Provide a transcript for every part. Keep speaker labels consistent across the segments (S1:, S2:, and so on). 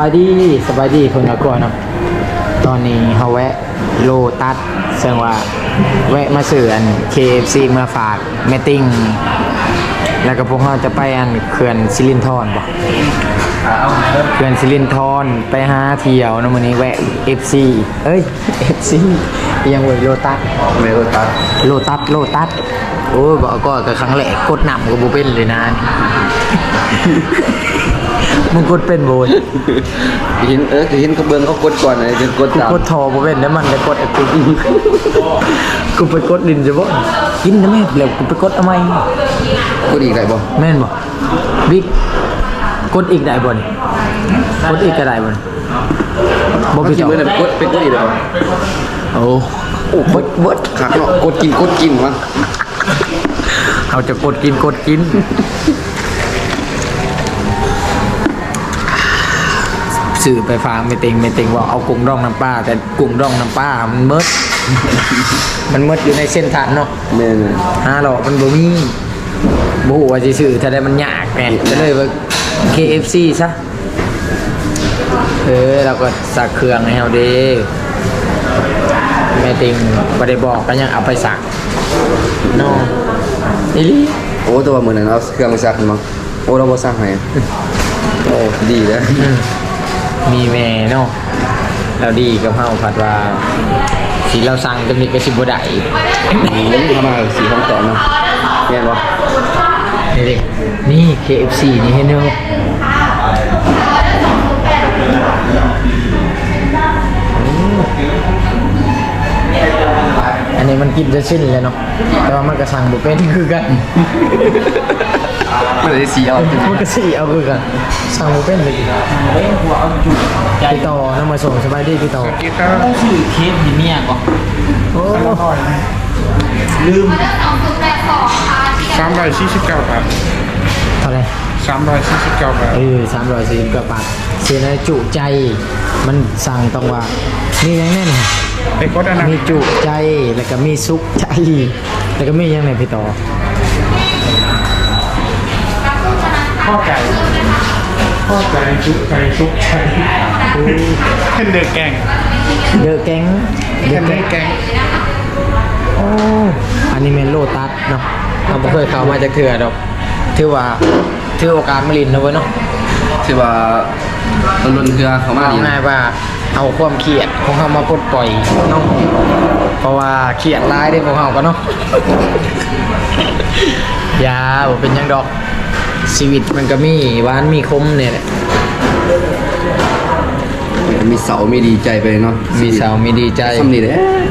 S1: ายดีสบายดีคนละก่อนเนาะตอนนี้เขาแวะโลตัสแสดงว่าแวะมาซื้ออัน KFC มาฝากแมตติ้งแล้วก็พวกเขาจะไปอันเขื่อนสิรินธรบ่เขื่อนสิรินธรไปหาเที่ยวนะมื้อนี้แวะ FC เอ้ย FC ยังเว้ยโลตัสโลตัสโอ้ยบอกก็ครั้งแรกกดนำก็บ่เป็นเลยนะ มึงกดเป็นโบย
S2: เห็นเขาเบิ่งเขากดก่อนเลยจนกดตาม
S1: กดทอบ่เป็นแล้วมันจะกดกูกูไปกดดินจะบ่กินนะแม่แล้วกูไปกดทำไม
S2: กดอีกได้บ่
S1: แม่นบ่บิ๊กกดอีกได้บ่นี่กดอีกก็ได้บ่นี่บ่
S2: ไป
S1: พี่
S2: กิน
S1: ต่อ
S2: มื้อนั้นกดอีกได้บ่
S1: โอ้เบิด
S2: คักเนาะกดกินวะ
S1: เอาจะกดกินสื่อไปฟังไม่ติงว่าเอากุ้งดองน้ำปลาแต่กุ้งดองน้ำปลามันเมิด มันเมิดอยู่ในเส้นทางเนาะ
S2: แม่น
S1: หรอกมันบ่มีบ่ฮู้ว่าสิซื้อถ้าได้มันยากแหม่ก็เลยว่า KFC ซะเราก็สักเครื่องให้เฮาเด้แม่ติงบ่ได้บอกก็ยังเอาไปสักเนาะอีหลี
S2: โอ้แต่ว่ามื้อนั้นเอาเครื่องไปซักมั้งโอ้เราบ่ซักให้โอ้ดีเด้อ
S1: มีแม่เนาะเราดีกับเฮาผัดว่าสิเราสั่งจะมีกระสิบ่ได้
S2: ทำมาสีของต่อเนาะแม่นบ่
S1: นี่ดินี่ KFC นี่ให้เนาะอันนี้มันกินจะสิ้นเลยเนาะแต่ว่ามันก็สั่งบ่เป็นคือกัน
S2: ไม่ได้สีเอา
S1: มันก็สิเอาคือกันสั่งบ่เป็นเลยพี่ต่อน้ำมาส่งสบายดีพี่ต่อ
S3: ชื่อเคสที่เมียก่อน
S1: โอ้
S3: ลืม
S4: 349 บาท
S1: เท่าไหร่
S4: 349 บาท
S1: 340กว่าบาทเสียในจุใจมันสั่งต้องว่ามีอย่างแน่น
S4: ไอ้กดอันนั้น
S1: มีจุใจแล้วก็มีสุขใจแล้วก็มีอย่างไหนพี่ต่อ
S4: ข้อไก่ชุบไก่เป็นเดือแกง
S1: เดอะแก๊ง
S4: เป็นเดือแกง
S1: โอ้อันนี้เมนโลตัสเนาะเราไม่เคยเข้ามาจากเถื่อดอกถือว่าถือโอกาสมาลินนะเว้ยเนาะ
S2: ที่ว่าต้นรุ่นเครือเขามา
S1: เอา
S2: ดี
S1: ง่ายว่าเอาความเครียดของเขามาปลดปล่อยเนาะเพราะว่าเครียดร้ายได้ของเขาก็เนาะ ยาบ่เป็นหยังดอกชีวิตมันก็มีหวานมีคมเนี่ยแหละ
S2: มีเสามีดีใจไปเนาะ
S1: มีเศร้ามีดีใจ
S2: ซ้ำนี่แหละ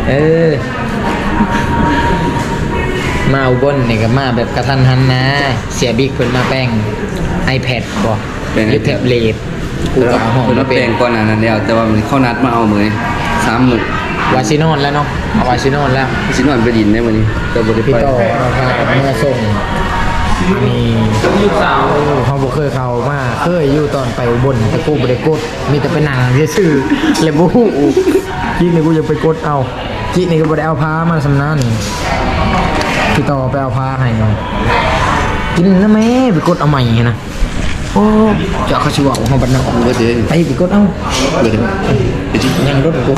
S1: มาอุบลนี่ก็มาแบบกระทันหันนะ เสียบิ๊กเพิ่นมาแป้ง iPad บ่หรือแท็บเล็ตกูก็เอาห้อง
S2: เรา
S1: มา
S2: แป
S1: เป็
S2: ล
S1: น
S2: งก่อนหน้านั้นแล้วแต่ว่ามันเข้านัดมาเอามื้อนี้3มื้อ
S1: วาซิโนนแล้วเนาะเอาวาซิโนนแล้ว
S2: สินอนไปดินได้มื้อนี้แต่บ่ได้
S1: พี่
S2: ไป
S1: ต่อเราพามาส่งนี่
S3: ลูกสาว
S1: เขาบ่เคยเข้ามาเคยอยู่ตอนไปอุบลแต่กูบ่ได้กดมีแต่ไปนั่งซื่อๆเลยบ่ฮู้จินี่กูจะไปกดเอาจินี่ก็บ่ได้เอาพามาสำนันพี่ต่อไปเอาพาให้หน่อยกินนะแม่ไปกดเอาใหม่นะโอ้เจ้าเขาสิว่าเฮาบัดนั้น
S2: บ่ได้
S1: ไปกดเอา
S2: บ่ได้ไปจิ
S1: ยังรถกู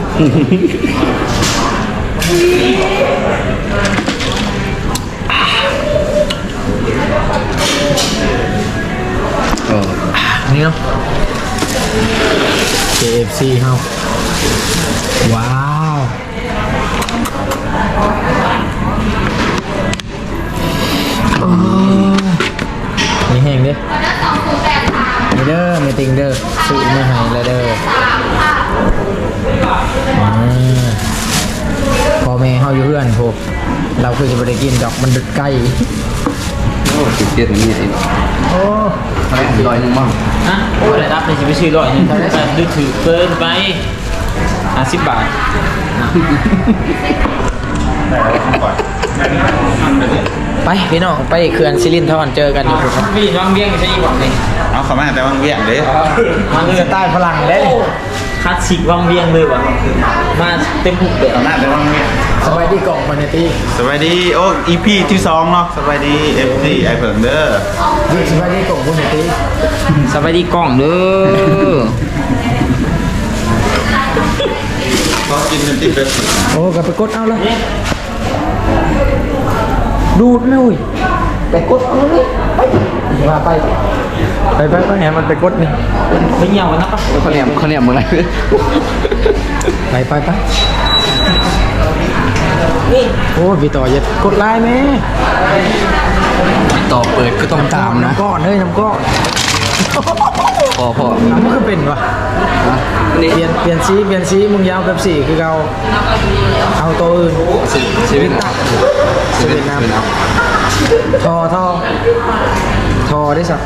S2: เออ
S1: นี่เนาะ KFC เฮาว้าวโอ้นี่แห้งเด้นี่เด้อไม่ติงเด้อซื้อมาให้แล้วเด้อพ่อแม่เฮาอยู่เพื่อนพวกเราคือจะไม่ได้กินดอกมันดึกใกล้
S2: โอ้ติดเตียนนี่ไอ้
S1: โอ้
S2: ร้อยนึงมั้ง
S3: ฮะโอ้อะไรรับเลยจะไปซื้อร้อยนึงแต่ดูถือเกินไป50 บาท
S1: ไปพี่น้องไปเขื่อนสิรินธรเจอกันอยู่ครับ
S3: พี่น้องเบี้ยงใช่อีกบอกเลย
S4: เอาเขามาแต่วังเวียงเด้
S1: มันคือสไตล์ฝรั่งเด้
S3: คลาสสิกวังเวียงเลยว่ะมาเต็มหุบเลย
S4: เขามาแต่วังเวียง
S1: สบายายดีกล่องมันตี
S4: สวัสดีโอ้ EP ที่2เนาะสวัสดี FC ไอเผิงเด้อ
S1: ดีสบายดีกล่องคุณตี
S3: สวัสดีกล้องเด้อ
S4: ก็กินกันติดเลย
S1: โอ้กลับไปกดเอาละดูดเลยไปกดเอาเลยไปว่าไปแหมมันไปกดนี่
S3: ไปเหี่ยวกันนะปะ
S2: เขาเนี่ยมึงอะไร
S1: ไปโอ้พี่ต่ออย่ากดไลน์แม่
S2: ต่อเปิดก็ต้องตามนะ
S1: น้ำก้อนเฮ้ยน้ำก้อน
S2: พอ
S1: น้ำมันก็เป็นวะ
S2: นี่
S1: เปลี่ยนสีมึงยาวแบบสีคือเราเอาตัวอื่น
S2: ชีวิตตัก
S1: ชีวิตน้ำทอได้สัก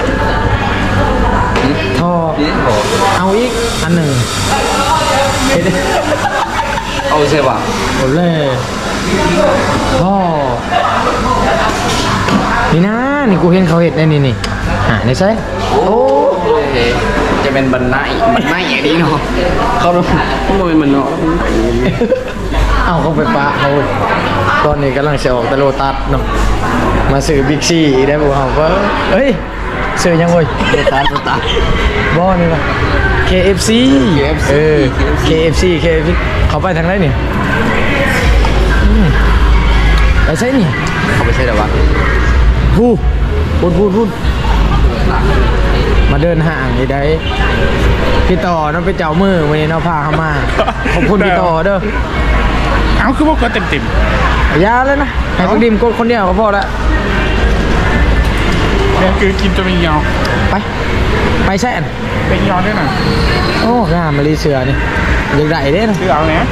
S1: ทอ
S2: นี่พอ
S1: เอาอีกอันหนึ่งเฮ็ด
S2: เอาใช่ป่ะ
S1: โอ้เล่พ่อนี่นะนี่กูเห็นเขาเห็ดได้นี่นี่ใช่
S2: โอ้จะเป็นบรรณะอย่างนี้เนาะเขาต้องมันเนาะ
S1: เอาเขาไปปะเขาตอนนี้กำลังจะออกตะโลตัสเนาะมาซื้อบิ๊กซีได้บุเขาก็เฮ้ยซื้อยังเว้ย
S2: โลตัส
S1: บ่นี่ป่ะ KFC เออ KFC เขาไปทางไหนนี่ไปใช่นี่
S2: เขาไม่ใช่หรอวะ
S1: พูดมาเดินห่างอีได้พี่ต่อน้องไปเจ้ามือวันนี้น้องพาเข้ามาขอบคุณพี่ต่อเด้อ
S4: เอาคือพวกก็เต็ม
S1: ยาเลยนะให้พักดิมกดคนเดียวก็พอละ
S4: ๆเนี่ยคือกินจะมียาว
S1: ไปแช่น
S4: เป็นยาวด้วยนะ
S1: โอ้งามมาลีเสือนี่ยังได้เด้นะ
S4: คือเอาเนี้ย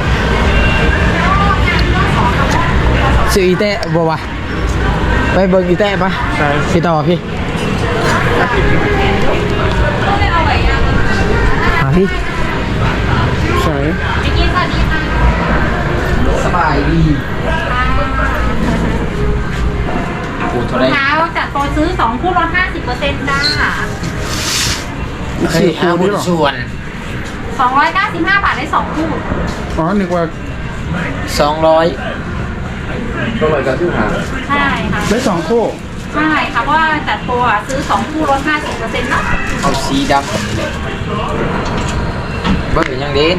S1: ซื้ออีแตะบ่วะไปเบิ่งอีแตะปะ
S4: ใช่
S1: พี่ต่อพี่มาพี่
S4: ใช่
S1: สบายดี
S5: เช้าจัดโปรซื้อ2คู่ลด 50%จ้า
S1: คืออาวุธส่วน
S5: 295 บาทได้2คู่
S4: อ๋อนึกว่า
S1: 200
S2: ก็เลยการที่หา
S5: ใช่ค่ะ
S4: ได้2คู่
S5: ใช่ค่ะเพราะว่าจัดโปรซื้อ2คู่ลด 50%เนาะ
S1: เอาสีดำเบิ่งยังเด่น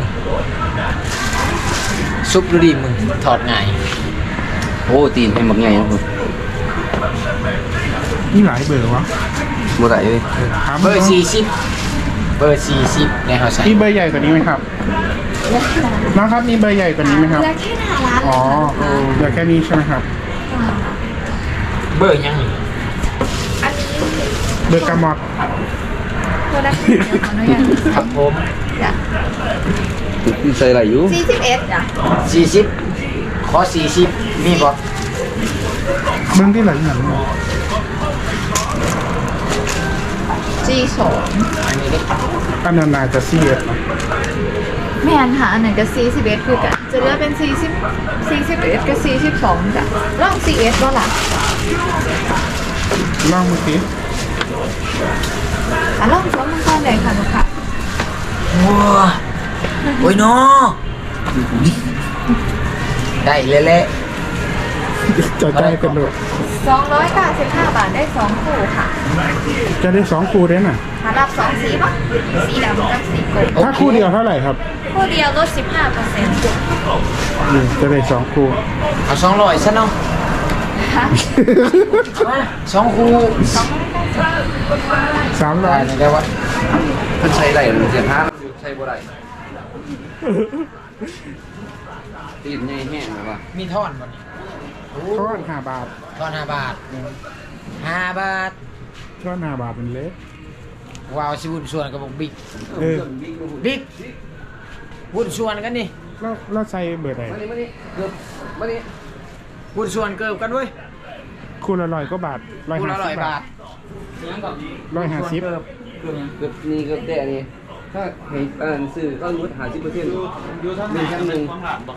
S1: ซุปดูดิมึงถอดไง
S2: โอ้ตีนเป็นแบบไงนะคุณ
S4: นี่หลายเบอร์วะ
S2: โมได้เลย
S1: เบอร์40เบอร์40ในเขาใส่
S4: มีเบอร์ใหญ่กว่านี้ไหมครับน้องครับมีเบอร์ใหญ่กว่านี้ไหมครับ
S5: เหลือแค่หน้าร้าน
S4: อ๋อเหลือแค่นี้ใช่ไหมครับ
S1: เบอร์ยัง
S5: อันนี้
S4: เบอร์กามอด
S5: ตัวละเดี๋ยวขออนุญาต
S1: ครับผม
S2: ใส่อะไรอยู่
S5: 41จ้ะ
S1: 40ขอ40มีบ่
S4: เบิ้งที่ไหนหนัง
S5: G2
S1: อันนี้เด้
S4: อันนั้นน่าจะ4นะ
S5: แม่นค่ะอันไหนก็41คือกันจะเหลือเป็น41กับ42จ้ะลอง41บ่ล่ะ
S4: ลองเมื่อกี้
S5: ลอง2มันก่อนได้ค่ะลูกค้า
S1: ว้าโอ้ยเนาะได้เละ
S4: จะได้กันด้วย
S5: 295 บาทได้2คู่ค่ะ
S4: จะได้2คู่ได้น่ะ
S5: หารับ2สีป่ะสีดำกับสีกรม
S4: ถ้าคู่เดียวเท่าไหร่ครับ
S5: คู่เดียวลด 15%
S4: จะได้2คู่
S1: ๆเอา200ซะเนาะ
S5: ค่ะ
S1: มา2คู่ได้
S4: 300
S1: นี่ได้วะ
S2: มันใช้ได้หรือเสียห้าใช้บ่ได้ตีนใหญ่แห้งหรือเปล่า
S1: มีท่อนบ่นี่
S4: ช้อน5 บาท
S1: ท่อน5 บาท5 บาท
S4: ช้อน5 บาทเป็นเล็ก
S1: ว้าวสิบุญส่วนกับบอกบิ๊ก
S4: เออ
S1: บิ๊กบุญส่วนกันนี่
S4: แล้วใส่เบอร์ไหน
S2: มานี่เกือบมานี่
S1: บุญส่วนเกิบกันเว้ย
S4: คู่ละ100กว่าบาท
S1: คู่ละ100 บาท
S4: 150
S2: เกือบนี่เกือบแต่นี่ถ้าเห็นสื่อก็ลด50%อยู่ทั้งหนึ่ง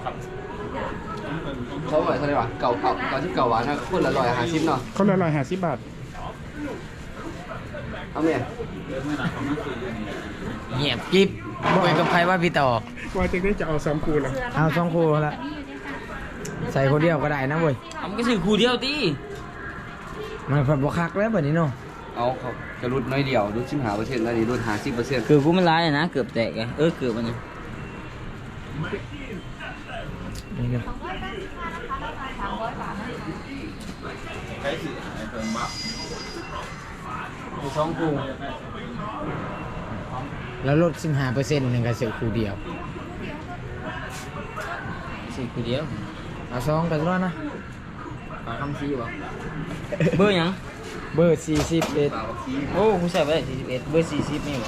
S2: เขาบอกอะไรวะเก่าที่เก่าหวานนะคนละ150เนาะ
S4: คนละ150 บาท
S2: เอาเนี่ย
S1: เงียบกิ๊บคุยกับใครว่าพี่ต่อ
S4: ว่าจะได้จะเอา3คู่ละ
S1: เอา2คู่ละใส่คนเดียวก็ได้นะเว้ย
S3: เอามันก็ซื้อคู่เดียวตี
S1: มันผัดบวคักแล้วแบบนี้เนาะ
S2: เอาเขาจะรุดน้อยเดียวรุด15%แล้วนี่รุด50%
S3: เกือบกูมันร้ายนะเกือบแตกไงเกือบมัน
S1: นี่ก็
S4: ใช้สื่อไอเพิ่งบัก
S3: สองคู่
S1: แล้วลด15%หนึ่งก็เสือคู่เดียว
S3: ซื้อคู่เดียว
S1: เอาซองกันแล้วนะ
S3: ปลาคำซีบ่เบอร์หยัง
S1: เบอร์41
S3: โอ้กูใส่ไป41เบอร์40นี่บ่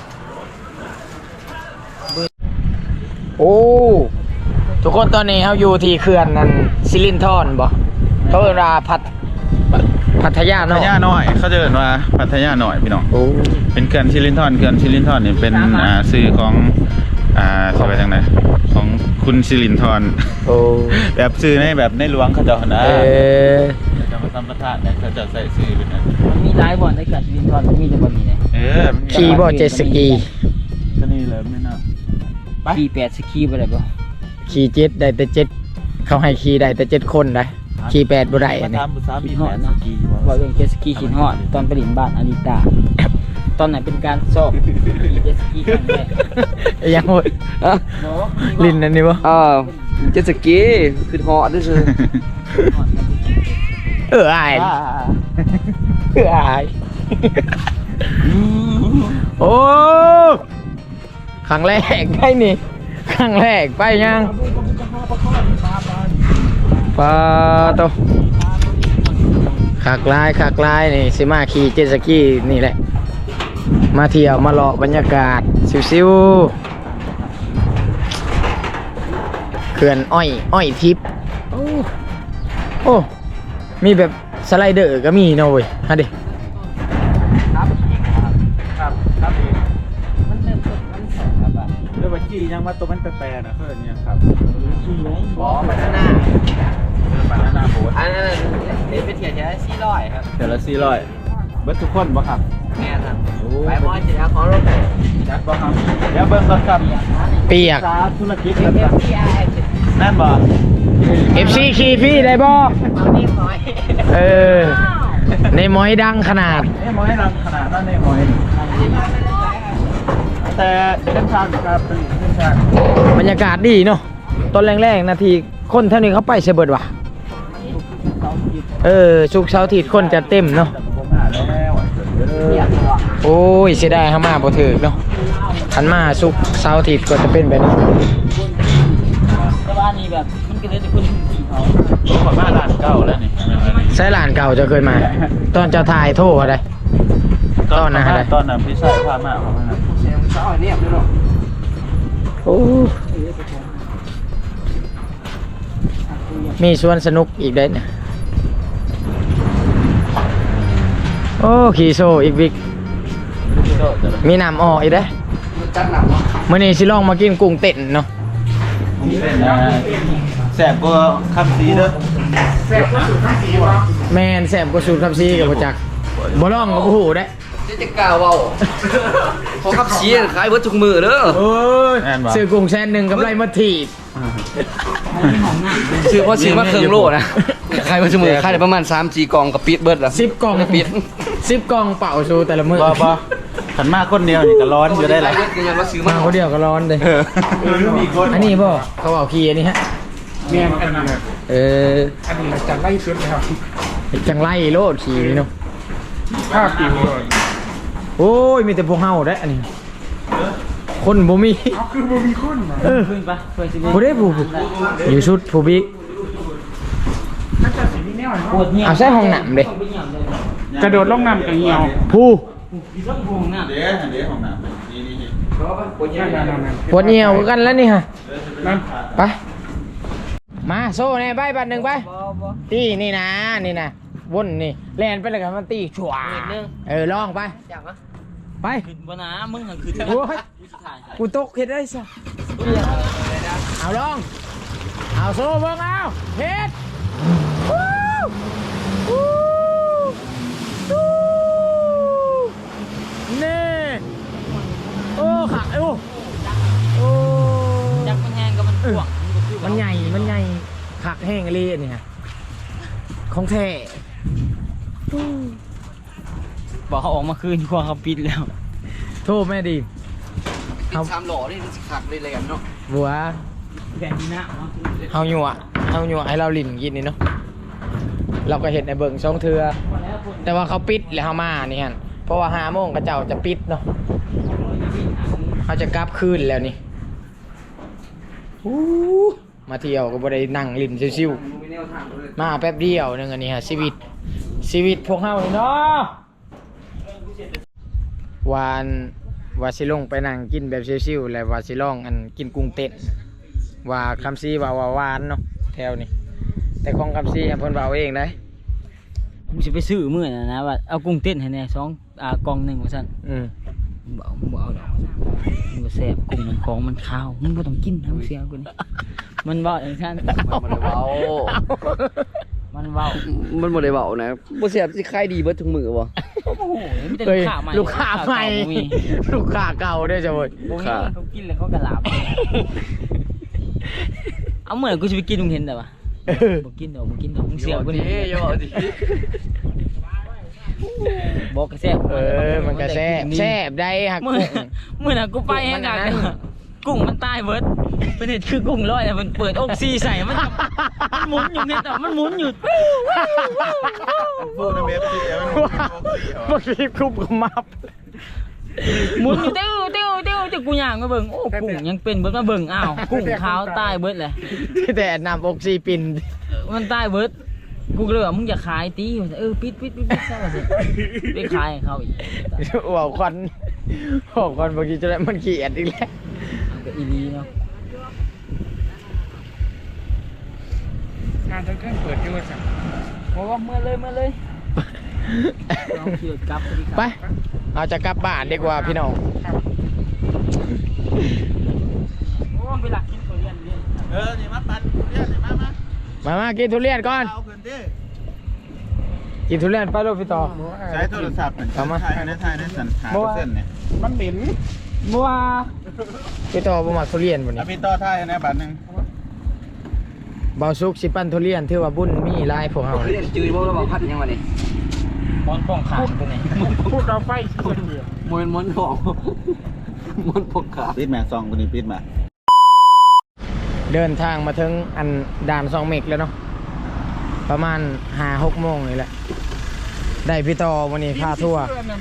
S1: โอ้ทุกคนตอนนี้เขาอยู่ที่เขื่อนนั่นซิลินทอนบ่เขาเวลาพัทยา
S4: พั
S1: เนาะ
S4: ทยาหน่อยเขาจะเรียกว่าพัทยาหน่อยพี่น้อง
S1: โอ้
S4: เป็นเขื่อนซิลินทอนนี่เป็นสื่อของสบายจังไหนของคุณซิลินทอน
S1: โอ้
S4: แบบสื่อในแบบในหลวงเขาเจะนะ จะมาทำประทานเนี่ยเขาจะใส่สื่อเป็นนั้น
S3: มันมีหลายบ่อนในเกิดชีวิตทอนมันมีแต่บ่อนนี้เลย
S4: มันมี
S1: ขี่บ่เจ็ตสกี
S4: ก็นี่เลยไม่น่า
S3: ขี่8สกีบ่ได้บ่
S1: ขี่เจ็ตได้แต่เจ็ตเขาให้ขี่ได้แต่7คนได้ขี่8บ่ได้อันนี้
S4: ทำภาษาบี
S3: ขี่
S4: แม
S3: ฮอด
S4: นส
S3: นะ
S4: กี
S3: ว่าเรื่องเจ็ตสกีขี่ฮอดตอนไปเล่นบ้านอาริตาตอนไหนเป็นการสอบขี่เจ็ตสกีครั้งแรก
S1: ยังโหดลินนั่นนี่บ่
S2: เจ็ตสกีคือเหาะด้วยซื่อ
S1: อายอายโอ้ครั้งแรกได้นี่ครั้งแรกไปยังปาโตขากลายนี่สิมาขี่เจ็ตสกีนี่แหละมาเที่ยวมาเลาะบรรยากาศซิวๆเขื่อนอ้อยทิพย์โอ้มีแบบสไลเดอร์ก็มีเนาะเว้ยฮะดิ
S3: มันเริ่มต้นมันสองครับอ่ะ
S4: เรื่องบัญชียังมาตัวมันแปลๆนะเพื่อนเนี่ยครับ
S3: ขี่ไหม
S2: อ๋อบานาน่า
S4: บานาน่าโบ๊ท
S2: อันนั้นนี่เป็นเทียร์แค่400ครับ
S4: เดี๋ยวละ400เบิร์ทุกคนบ่ครับ
S2: แม่ครับไปมอสิครับขอรถ
S4: จัดบ่ครับเดี๋ยวเบิ่งก่อนครับ
S1: เปียก
S4: สาธุรกิจครับนั่นบ่
S1: FC ขี่พี่ได้บ่เออในหมอยดังขนาด
S4: หมอยรังขนาดนั้นในหมอยแต่เส้นทางครับเป็นเส้นทาง
S1: บรรยากาศดีเนาะตอนแรกๆนาทีคนเท่านี้เขาไปเสเบิดว่ะสุกร์เสาร์อาทิตย์คนจะเต็มเนาะ
S4: ผมหาแล้ว
S1: โอ้ยเสียดายเขามาบ่ถึกเนาะคันมาสุกร์เสาร์อาทิตย์ก็จะเป็นแบบนี้
S3: แต่ว่านี่แบบมันก็เลยแต่คนขี่เขา
S4: ผมขอมาร้านเก่าแล้วนี่
S1: ใช้หลานเก่าจะเคยมา ตอนเจ้าทายโทษอะไร ตอนนั้นอะไร
S4: ตอนนั้นพี่ชายพามาของมัน
S2: เสียงเศร้าเนี่ยพี่น้อง
S1: โอ้มีสวนสนุกอีกได้เนี่ยโอ้ขี่โซอีกวิกมีน้ำออกอีกได้
S2: จัดหนักวะ
S1: มื่อนี้สิลองมากินกุ้งเต้นเนาะ
S4: แสบกว่าคำซีเด้อ
S1: แมนแสบกว่าสูตรคำซีกับประจักษ์บ่ลองกับผู้ได้
S2: จะกล่าวเว้าขอขับชี้ขายเบิดทุกมือเด้อ
S1: โอ้ยซื้อกุ้งแซนหนึ่งกับไรมาถีบ
S2: ซื้อเพราะซื้อมาเครื่องโลนะขายเบิดทุกมือขายได้ประมาณ3-4กล่องกับปิดเบิดละ
S1: 10 กล่อง
S2: ปิด
S1: 10 กล่องเป่าชูแต่ละมื้อ
S4: บ่ขันมากคนเดียวนี่ก็ร้อนอยู่ได้หลาย
S2: เบิดยังว่าซื้อ
S1: มา
S2: มา
S1: คนเดียวก็ร้อนเลย
S4: มีคน
S1: อันนี้บ่เขาเอาขี้อันนี้ฮะ
S4: เมียนอันนั้น
S1: เออ
S4: อันนี้จังไล่ชุดเลยครับ
S1: จังไรโลดขี้นี่เนาะ
S4: ภาพปิวเลย
S1: โอ้ยมีแต่พวกเฮาได้อันนี้คนบ่มี
S4: คือบ่มีคนนะ
S1: เออ
S3: ขึ้นปะเพื่อนสิ
S1: ผู้ได้ผู้อยู่ชุดผู้บิ๊ก
S3: ปวดเหี่ยว
S1: เอาใส่ห้องน้ำเด้
S4: กระโดดลงน้ำกับเหี่ยว
S1: ผู้
S3: ต้องพวงน่ะ
S4: เดี๋ยวของน้ำนี่
S1: ปวดเหี่ยวกันแล้วนี่ฮะ
S4: นั่น
S1: ไปมาโซ่เนี่ยใบบัตรหนึ่งไปตีนี่นะวนนี่แลนไปเลยกันมันตีชัวลองไปไป
S3: ขึ้นบนน้ำมึงหันขึ้น
S1: โอ้ยกูตกเห็ดได้ซะเอาลองเอาโซ่เบิ่งเอาเฮ็ดวู้วู้วู้นี่โอ้ขาโอ้
S3: จักมันแห้งก็มันพ่วง
S1: มันใหญ่ขักแห้งเลยอันนี่ฮะของแท้
S3: บอกเขาออกมาคืนกลัวเขาปิดแล้ว
S1: โทษแม่ดี
S2: ติด3หล่อนี่มันสิขักเลยแหลมเนาะ
S1: บัว
S3: แผ่นที่หน้าเนาะ
S1: เฮาหยัวให้เราลิ้นกินนี่เนาะเราก็เห็นในเบิ่งช่องเทือแต่ว่าเขาปิดแล้วเฮามานี่ฮะเพราะว่า5 โมงกระเจ้าจะปิดเนาะเขาจะกลับคืนแล้วนี่มาเที่ยวก็บ่ได้นั่งลิ้นชิวๆ
S2: มันมีแนวทางเลย
S1: มาแป๊บเดียวนึงอันนี้ฮะชีวิตพวกเฮานี่เนาะว่าสิลงไปนั่งกินแบบชิวๆแล้วว่าสิลองอันกินกุ้งเต้นว่าคำซีว่าหวานเนาะแถวนี้แต่ของคำซีเพิ่นว่าเอาเองได้
S3: ผมจะไปซื้อมื้อนะว่าเอากุ้งเต้นให้แน่2กล่องหนึงว่าซั่น มึงบ่เอาดอกมึงก็แซ่บกุ้งมันของมันข้าวมึงบ่ต้องกินทั้งเสียกูนี่มันเว้าอย่างนั้น
S2: มันบ่ได้เว้า
S3: มันเว้า
S2: มันบ่ได้เว้านะบ่แซ่บสิขายดีเบิดทุกมื้อบ่
S3: โอ้โหมีแต่
S1: เอ้ย
S3: ลูกค้าใหม่
S1: ลูกค้าใหม่
S3: บ่มี
S1: ลูกค้าเก่าด้วยจ้ะเว้ย
S3: บ่มีเขากินแล้วเขาก็หลับเอาเมื่อกูสิไปกินมึงเห็นแต่ว่าบ่กินดอกมึงเสียกูนี่
S2: อย่าบอกดิ
S3: บอกก็แซ่บ
S1: มันก็แซ่บได้ฮัก
S3: มื้อน่ะกูไปแฮงกันกุ้งมันตายเบิดเป็นเห็ดคือกุ้งลอยแต่มันเปิดอกซีใส่มันหมุนอยู่เนี่ยแต่มันหมุนอยู่
S4: พูดในเว็บสิมัน
S1: บางทีคุบก็มับ
S3: หมุนอยู่เต้วจะกูย่างมาเบิ่งโอ้กุ้งยังเป็นเบิดมาเบิ่งอ้าวกุ้งขาวตายเบิดเลย
S1: แต่นำอกซีปิน
S3: มันตายเบิดกูก็เลยว่ามึงอย่าขายตีปิดซะว่าสิไปขายให้เขาอีก
S1: หัวควันบางทีจะได้มันขี้เกียจอีกแล้ว
S3: มันก็อีหลีเนาะ
S1: งานทั้งเครื่องเปิดด้วยจ้ะ
S3: เพราะว่าเมื่อเลยเราขี่รถกลับดี
S1: ไปเราจะกลับบ้านดีกว่าพี่น้อง
S3: โอ้ไปหลักกินตัวเรียน
S4: นี่มาปั่นเรียกนี่มา
S1: มากินทุเรียนก่อน
S4: เอาเพิ่นดิ
S1: กินทุเรียนไปลูกพี่ต่อ
S4: ใช้โทรศัพท์ถ่ายในสันหาเส้นเนี่ย
S1: มันเหม็นบัวพี่ต่อบ่มาทุเรียนวันนี้
S4: พี่ต่อถ่ายในบัตรนึง
S1: เบาซุกสิปั้นทุเรียนถือว่าบุญมีหลายพวกเฮา
S2: เรียนจืดบ่แล้วบ่พัดยังวะนี่
S3: มอนป้องขาดตัวนี้
S1: พูดเอาไฟคนเดียว
S2: มวนทองมวนพกขา
S4: ปิดมาซองคนนี้ปิดมา
S1: เดินทางมาถึงอันด่าน2 เมกแล้วเนาะประมาณ 5-6 โมงนี่แหละได้พี่ต่อวันนี้พาทัวร์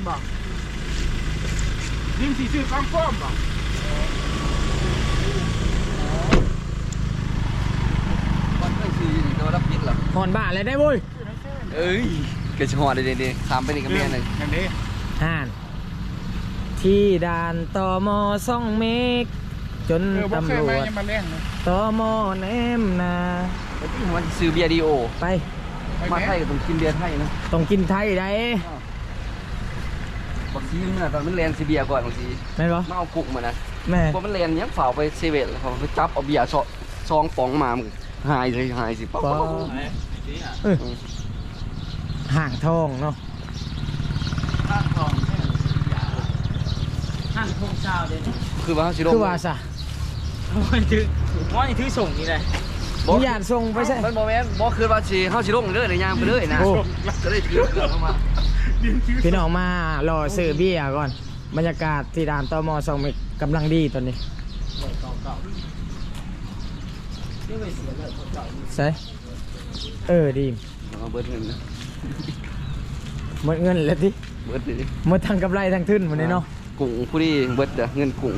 S6: ยิงสีชื่อข้ามฟ้อมป่ะ
S2: มันก็คือโดนรับผิดเหรอ
S1: หอนบ้านอะไรได้บุ้ย
S2: เอ้ยเกจะหอดเด้ๆข้ามไปนี่ก็แม่นเลย
S6: อย่างนี้
S1: ห่านที่ด่านตม2 เมกจน
S6: บ่เค
S1: ตำ
S6: ย
S1: รว
S6: มา
S1: จ
S6: ยังมาแรงเลย
S1: ตมแนมนา
S2: มันซื้อเบียร์ดีโอ
S1: ไป
S2: มาไทยก็ต้องกินเบียร์ไทยนะ
S1: ต้องกินไทยได้
S2: บางทีเนี่ยตอนมันเรียนซีเบียร์ก่อนบางที
S1: แม่นบ่
S2: มาเอากุกมานะ
S1: แม่
S2: พอมันเรียนยังฝ่าไปเซเว่นแล้วพอไปจับเอาเบียร์ซองป๋องมามึงหายเลยหายสิป๊อป
S1: ห่างทองเนาะ
S3: ห้างทุ่งเช้าเด้
S2: คือว่าเขาชิโร่
S1: คือว่าซะ
S3: มอนถือส่งนี่เลย
S1: มึงอยากส่งไปใช่
S2: มันโมเมนต์บอกคือว่าชีเขาชิโร่เลยในยางไปเลยนะ
S1: โอ้
S2: ก็เลยถือเกือบเข้ามา
S1: พี่น้องมารอซื้อเบียร์ก่อนบรรยากาศที่ด่านตม2 เมกกำลังดีตอนนี้ใช่ดี
S2: เอาเบิร์ดเงินนะ
S1: หมดเงินแล้วที่
S2: เบิร์ดเลย
S1: หมดทั้งกำไรทั้งทุนหมดเลยเนาะ
S2: กุ้งผู้ดีเบิร์ดเด้อเงินกุ้ง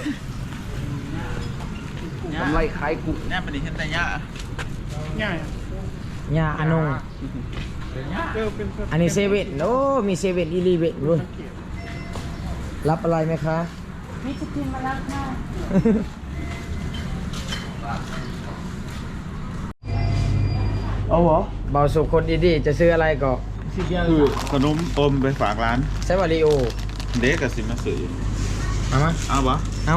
S2: กำไรขายกุ้ง
S4: แน่มันดีเห็นแต่ยะ
S6: ง่าย
S1: ยาอนง
S6: เป็น
S1: อันนี้เซเว่นโอ้มีเซเว่นอีลีเว่นด้วยรับอะไรไหมคะ
S5: มีจะกินมาแล้วค่ะ
S1: เอาเหรอเบาสุขคนดีๆจะซื้ออะไรก็
S4: คือขนมอมไปฝากร้าน
S1: ใช้วาริโอ
S4: เด็กกับสิมาซื้อ
S1: เอามา
S4: เอาปะ
S1: เอา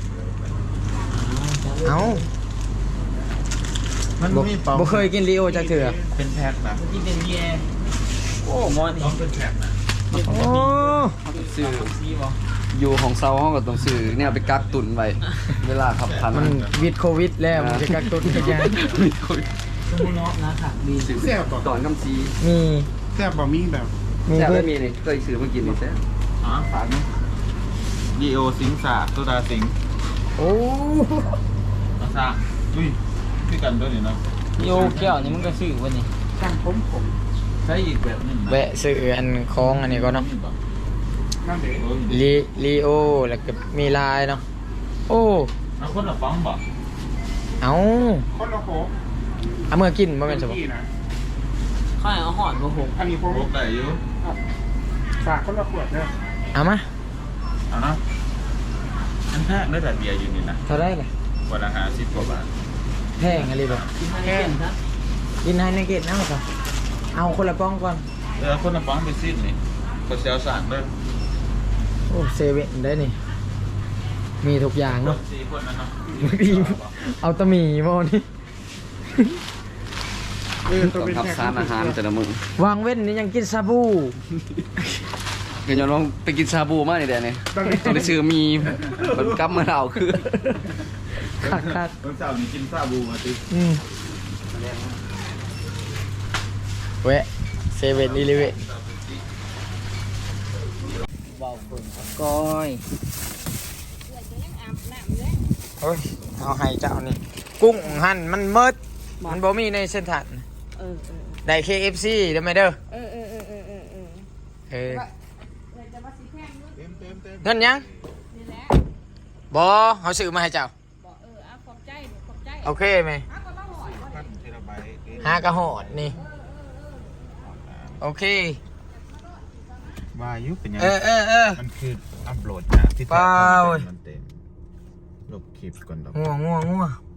S4: มัน
S1: บ่
S4: มีเปล่า
S1: บ่เคยกินริโอจากเถื่อ
S4: เป็นแพ็คนะ
S3: กินเป็นเบียร์โอ้มอนนี่
S4: เป็นแพ็คนะ
S1: โอ้
S2: ซื้อ
S3: ซีบ่
S2: อยู่ของเซาเขาก็ต้องซื้อเนี่ยไปกักตุนไว้เวลาขับพัน
S1: มันวิดโควิดแล้วมันจะกักตุนกันยัง
S3: สมุนนะค่ะดี
S6: แซ่บบ่
S2: ตอนคำซี
S1: มี
S6: แซ่บบ่มีแบบ
S1: มี
S2: แซ่บ
S1: เพื่อ
S2: ไม่มีนี่เคยซื้อมากินนี่แซ่บ
S4: อ๋อฝากนะดีโอสิงสาโซดาสิง
S1: โอ้
S4: มาซาอุ้ยพี่กันด้วยนี่เนาะ
S3: โยแก้วนี่มันก็ซื้อวันนี้
S6: ช่างผม
S4: ใช้อีกแบบหนึงนะ
S1: แวะซื้ออันของอันนี้ก็เนาะ
S6: นั่นเด็ก
S4: โอ้ย
S1: ลีโอแล้วก็มีลายเนาะโอ้
S4: เอาคนละฟังบ่
S1: เอา
S6: คนละโคก
S1: เอามื่อกินบ่แม่นสบ
S6: พี่นะ
S3: ข้าวเอาหอดมาหก
S6: อันนี้ผม
S4: พกได้อยู่
S6: ฝากคนละขวดเด้อ
S1: เอามา
S4: เอาเนาะอันแพงได้แต่เบียร์อยู่นี่นะ
S1: เท่าไรเลย
S4: วันละ50 กว่าบาท
S1: แพงอะไรบ่
S3: กินให้ได้กินครับ
S1: กินให้ในเกตเอาก่อนเอาคนละป้องก่อน
S4: คนละฟังไปซิดนี่ก็เซลสั่งเด้อ
S1: โอ้เซเว่นได้นี่ มีทุกอย่างเนาะ
S4: 4 คนนะเนาะ
S1: บางทีเอาตะหมี่มานี่
S2: ต้องทับสารอาหารแต่ละมื้อ
S1: วางเว้นนี่ยังกินซาบู
S2: เดี๋ยวน้องไปกินชาบูมานี่แดนี่ต้องได้ซื้อมีมันกลับมาเอาคือ
S1: คักคัก
S4: วันเสาร์นี้กินซาบูมาติ
S1: แวะเซเว่นอีเลเว่น
S3: เบาเปิ่งก้อย
S1: โอ้ยเอาให้เจ้านี่ กุ้งหั่นมันเมิดมันบ่มีในเส้นทางได้ KFC ได้ไหมเด้อเออเงินยังบ่เขาซื้อมาให้เจ้าโอเคไหม5กระหอดนี่โอเค
S4: ว่ายุเป็นยัง
S1: เออ
S4: มันคืออัพโหลดนะที่
S1: เปล่า
S4: มันเต็มลบคลิปก่อนดอก
S1: งัว